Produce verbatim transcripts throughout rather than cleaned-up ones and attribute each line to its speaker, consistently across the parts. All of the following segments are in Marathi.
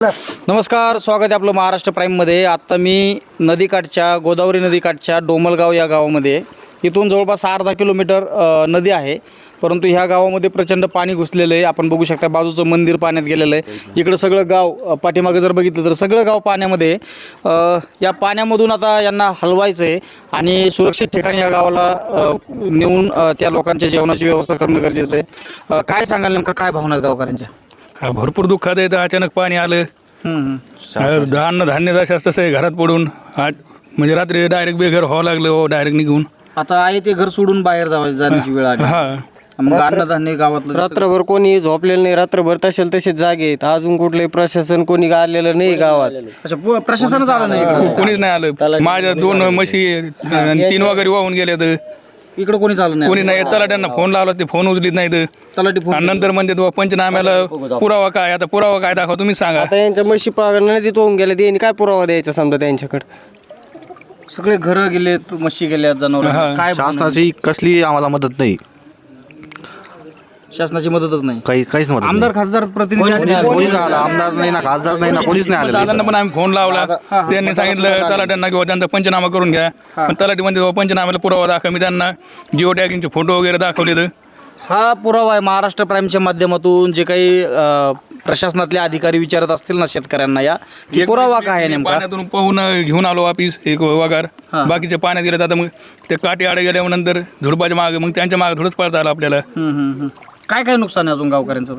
Speaker 1: नमस्कार, स्वागत आहे आपलं महाराष्ट्र प्राईममध्ये। आत्ता मी नदीकाठच्या गोदावरी नदीकाठच्या डोमलगाव या गावामध्ये आहे। इथून जवळपास अर्धा किलोमीटर नदी आहे, परंतु ह्या गावामध्ये प्रचंड पाणी घुसलेलं आहे। आपण बघू शकता बाजूचं मंदिर पाण्यात गेलेलं आहे। इकडं सगळं गाव पाठीमागे जर बघितलं तर सगळं गाव पाण्यामध्ये आहे। या पाण्यामधून आता यांना हलवायचं आहे आणि सुरक्षित ठिकाणी या गावाला नेऊन त्या लोकांच्या जेवणाची व्यवस्था करणं गरजेचं आहे। काय सांगाल नेमकं, काय भावना आहेत गावकऱ्यांच्या?
Speaker 2: भरपूर दुःखात आहे। अचानक पाणी आलं, अन्न धान्य जसं तसं आहे घरात पडून आज म्हणजे रात्री डायरेक्ट बेघर व्हावं लागलं, हो डायरेक्ट निघून।
Speaker 1: आता आहे ते घर सोडून बाहेर जावं जाण्याची वेळ आली।
Speaker 2: हा,
Speaker 1: मग अन्नधान्य गावातलं
Speaker 3: रात्रभर कोणी झोपलेलं नाही, रात्रभर तसेल तसेच जागे आहेत। अजून कुठलंही प्रशासन कोणी आलेलं नाही गावात।
Speaker 1: अच्छा, पु- प्रशासनच आलं नाही इकडं?
Speaker 2: कोणीच नाही आलं। माझ्या दोन म्हशी आणि तीन वगैरे वाहून गेले तर
Speaker 1: इकडं कोणीच आलं नाही?
Speaker 2: कोणी नाही। तलाट्यांना फोन लावला, ते फोन उचलीत नाहीत।
Speaker 1: तलाठी फोन
Speaker 2: आणि नंतर म्हणते तो पंचनाम्याला पुरावा काय, आता पुरावा काय दाखवा तुम्ही सांगा।
Speaker 3: आता यांच्या म्हशी पागल नदीत होऊन गेल्या, त्यांनी काय पुरावा द्यायचा समजा त्यांच्याकडे?
Speaker 1: सगळे घरं गेले, म्हशी गेल्या, जनावर काय?
Speaker 4: शासनाची कसली आम्हाला मदत नाही,
Speaker 1: शासनाची मदतच नाही,
Speaker 4: काही काहीच मदत नाही.
Speaker 1: आमदार खासदार प्रतिनिधी आले नाही?
Speaker 4: कोणीच आला, आमदार नाही ना, खासदार नाही ना, कोणीच नाही आलेलं
Speaker 2: दादांना पण आम्ही फोन लावला, त्यांनी सांगितलं तलाट्यांना किंवा त्यांचा पंचनामा करून घ्या। पण तलाठी म्हणते बाबा पंचनाम्याला पुरावा दाखवा। मी त्यांना जिओ टॅगिंगचे फोटो वगैरे दाखवले तर
Speaker 1: हा पुरावा आहे। महाराष्ट्र प्राईमच्या माध्यमातून जे काही अं, प्रशासनातले अधिकारी विचारत असतील ना शेतकऱ्यांना, या की पुरावा काय आहे नेमका?
Speaker 2: पाण्यातून पाहून घेऊन आलो वापिस एक वगार, बाकीचे पाण्यात गेले। आता मग ते काठी आडे गेल्यावर नंतर झुडपाच्या मागे, मग त्यांच्या मागे थोडंच पळता आलं आपल्याला।
Speaker 1: हम्म, हम्म, हम्म. काय काय नुकसान आहे अजून गावकऱ्यांचं?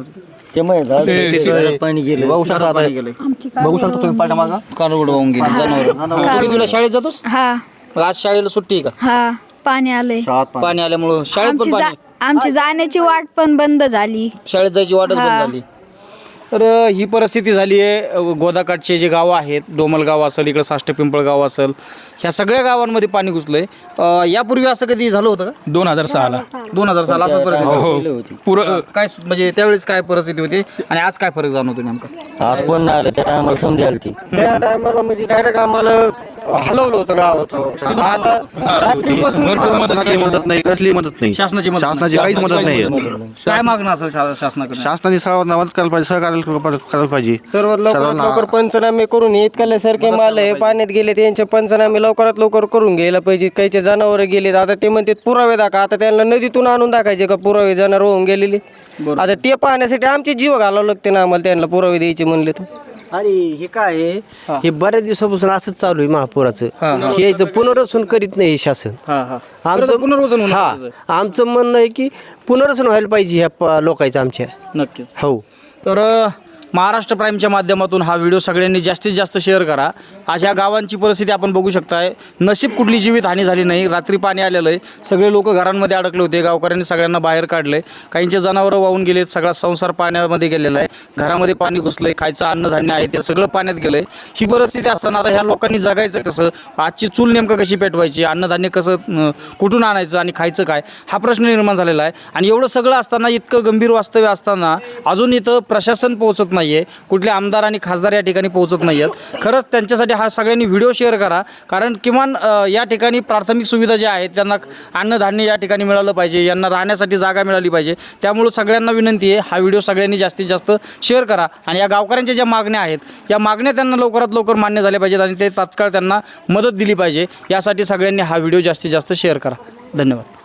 Speaker 3: पाणी गेलं,
Speaker 4: बघू शकता आता,
Speaker 1: पाणी गेलंय,
Speaker 4: बघू शकता तुम्ही पाठीमागं
Speaker 1: कालवड वाहून गेली, जनावर. तुला शाळेत जातोस?
Speaker 5: हा
Speaker 1: मग आज शाळेला सुट्टी आहे का?
Speaker 5: हा पाणी आलंय।
Speaker 4: शाळात पाणी.
Speaker 1: पाणी आल्यामुळं शाळेत
Speaker 5: आमची
Speaker 1: पण
Speaker 5: जा-
Speaker 1: पाणी,
Speaker 5: आमची जाण्याची वाट पण बंद झाली।
Speaker 1: शाळेत जायची वाटच बंद
Speaker 5: हा.
Speaker 1: झाली। तर ही परिस्थिती झाली आहे। गोदाकाठचे जे गावं आहेत, डोमलगाव असेल, इकडं साष्ट पिंपळगाव असेल, ह्या सगळ्या गावांमध्ये पाणी घुसलंय। अं, यापूर्वी असं कधी झालं होतं का?
Speaker 2: दोन हजार सहाला
Speaker 1: दोन हजार साल असं परिस्थिती
Speaker 2: हो पुरं
Speaker 1: काय सु- म्हणजे त्यावेळेस काय परिस्थिती होती आणि आज काय फरक जाणवतो नेमका?
Speaker 3: आज कोण नाही आलं, त्या टायमाला समजायला ती त्या टायमाला म्हणजे डायरेक्ट आम्हाला हलवलं होतं गावात। आता
Speaker 4: शासनाची मदत नाही, कसली मदत नाही,
Speaker 1: शासनाची मदत नाही.
Speaker 4: शासनाची काहीच मदत नाही।
Speaker 1: काय मागणं असेल शा- शासनाकडे?
Speaker 4: शासनाने सर्वांना मदत करायला पाहिजे, सहकार्य करायला पाहिजे।
Speaker 3: सर्वात लवकरात
Speaker 4: सर्वांना-
Speaker 3: लवकर पंचनामे करून इतकल्यासारखे माल आहे पाण्यात गेले, त्यांचे पंचनामे लवकरात लवकर करून घ्यायला पाहिजे। काहीचे जनावर गेलेत, आता ते म्हणते पुरावे दाखवा। आता त्यांना नदीतून आणून दाखायचे का पुरावे जनावर होऊन गेलेले? आता ते पाहण्यासाठी आमचे जीव घालावं लागते ना आम्हाला, त्यांना पुरावे द्यायचे म्हणले तर।
Speaker 6: आणि हे काय आहे, हे बऱ्याच दिवसापासून असंच चालू आहे महापुराचं। हे याचं पुनर्वसन करीत नाही हे शासन।
Speaker 1: हा हा
Speaker 6: आमचं
Speaker 1: पुनर्वसन होणार
Speaker 6: हा
Speaker 1: त्याचं.
Speaker 6: आमचं म्हणणं आहे की पुनर्वसन व्हायला पाहिजे ह्या प- लोकांचं आमच्या।
Speaker 1: नक्कीच.
Speaker 6: हो,
Speaker 1: तर अ, महाराष्ट्र प्राईमच्या माध्यमातून हा व्हिडिओ सगळ्यांनी जास्तीत जास्त शेअर करा। आज ह्या गावांची परिस्थिती आपण बघू शकताय। नशीब कुठली जीवित हानी झाली नाही, रात्री पाणी आलेलं आहे, सगळे लोक घरांमध्ये अडकले होते, गावकऱ्यांनी सगळ्यांना बाहेर काढले, काहींचे जनावरं वाहून गेलेत, सगळा संसार पाण्यामध्ये गेलेला आहे, घरामध्ये पाणी घुसलंय, खायचं अन्नधान्य आहे ते सगळं पाण्यात गेलंय। ही परिस्थिती असताना आता ह्या लोकांनी जगायचं कसं? आजची चूल नेमकं कशी पेटवायची, अन्नधान्य कसं अ, कुठून आणायचं आणि खायचं काय, हा प्रश्न निर्माण झालेला आहे। आणि एवढं सगळं असताना, इतकं गंभीर वास्तव्य असताना अजून इथं प्रशासन पोहोचत नाही आहे, कुठले आमदार आणि खासदार या ठिकाणी पोहोचत नाही आहेत। खरंच त्यांच्यासाठी हा सगळ्यांनी व्हिडिओ शेअर करा, कारण किमान अ, या ठिकाणी प्राथमिक सुविधा ज्या आहेत, त्यांना अन्नधान्य या ठिकाणी मिळालं पाहिजे, यांना राहण्यासाठी जागा मिळाली पाहिजे। त्यामुळं सगळ्यांना विनंती आहे, हा व्हिडिओ सगळ्यांनी जास्तीत जास्त शेअर करा आणि या गावकऱ्यांच्या ज्या मागण्या आहेत, या मागण्या त्यांना लवकरात लवकर मान्य झाल्या पाहिजेत आणि ते तात्काळ त्यांना मदत दिली पाहिजे। यासाठी सगळ्यांनी हा व्हिडिओ जास्तीत जास्त शेअर करा। धन्यवाद।